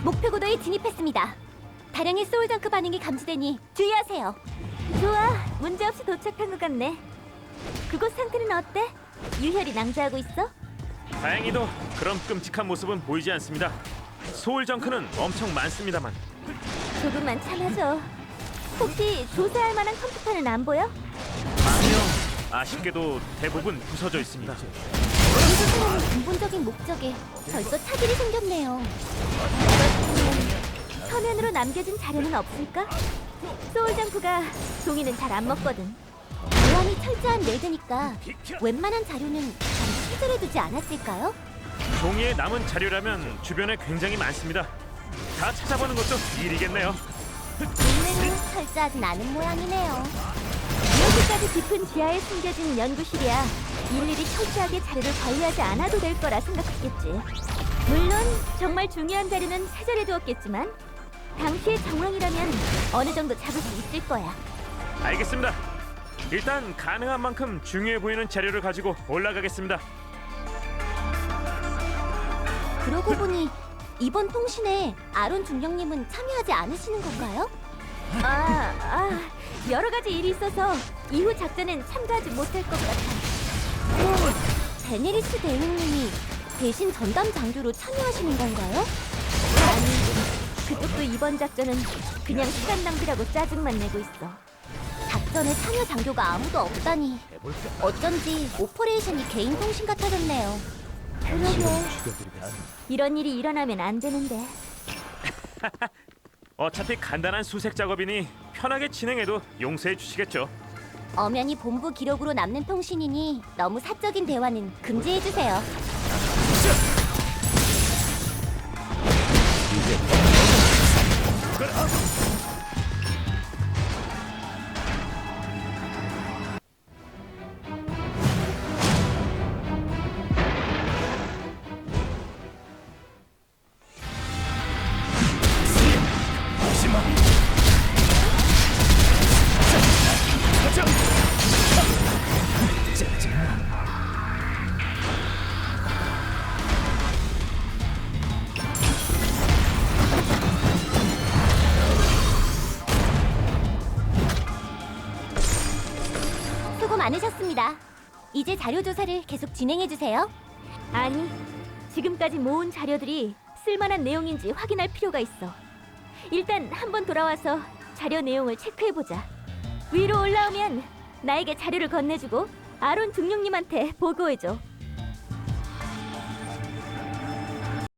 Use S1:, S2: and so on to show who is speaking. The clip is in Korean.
S1: 목표 고도에 진입했습니다. 다량의 소울정크 반응이 감지되니 주의하세요. 좋아, 문제없이 도착한 것 같네. 그곳 상태는 어때? 유혈이 낭자하고 있어?
S2: 다행히도 그런 끔찍한 모습은 보이지 않습니다. 소울 정크는 엄청 많습니다만.
S1: 조금만 참아줘. 혹시 조사할 만한 컴퓨터는 안 보여?
S2: 아니요, 아쉽게도 대부분 부서져 있습니다.
S1: 조사하는 근본적인 목적에 벌써 차질이 생겼네요. 그렇다면 서면으로 남겨진 자료는 없을까? 소울정크가 종이는 잘 안 먹거든. 보안이 철저한 레드니까 웬만한 자료는 잘 수술해두지 않았을까요?
S2: 종이에 남은 자료라면 주변에 굉장히 많습니다. 다 찾아보는 것도 일이겠네요.
S1: 인내는 철저하진 않은 모양이네요. 이렇게까지 깊은 지하에 숨겨진 연구실이야 일일이 철저하게 자료를 관리하지 않아도 될 거라 생각했겠지. 물론 정말 중요한 자료는 세절해두었겠지만 당시의 정황이라면 어느 정도 잡을 수 있을 거야.
S2: 알겠습니다. 일단 가능한 만큼 중요해 보이는 자료를 가지고 올라가겠습니다.
S1: 그러고 보니 이번 통신에 아론 중령님은 참여하지 않으시는 건가요? 여러 가지 일이 있어서 이후 작전엔 참가하지 못할 것 같아. 그럼 베네리스 대령님이 대신 전담 장교로 참여하시는 건가요? 아니, 그쪽도 이번 작전은 그냥 시간 낭비라고 짜증만 내고 있어. 작전에 참여 장교가 아무도 없다니 어쩐지 오퍼레이션이 개인 통신 같아졌네요. 그러게 이런 일이 일어나면 안 되는데.
S2: 어차피 간단한 수색 작업이니 편하게 진행해도 용서해 주시겠죠.
S1: 엄연히 본부 기록으로 남는 통신이니 너무 사적인 대화는 금지해주세요. 수고 많으셨습니다. 이제 자료 조사를 계속 진행해주세요. 아니, 지금까지 모은 자료들이 쓸만한 내용인지 확인할 필요가 있어. 일단 한번 돌아와서 자료 내용을 체크해보자. 위로 올라오면 나에게 자료를 건네주고 아론 중령님한테 보고해줘.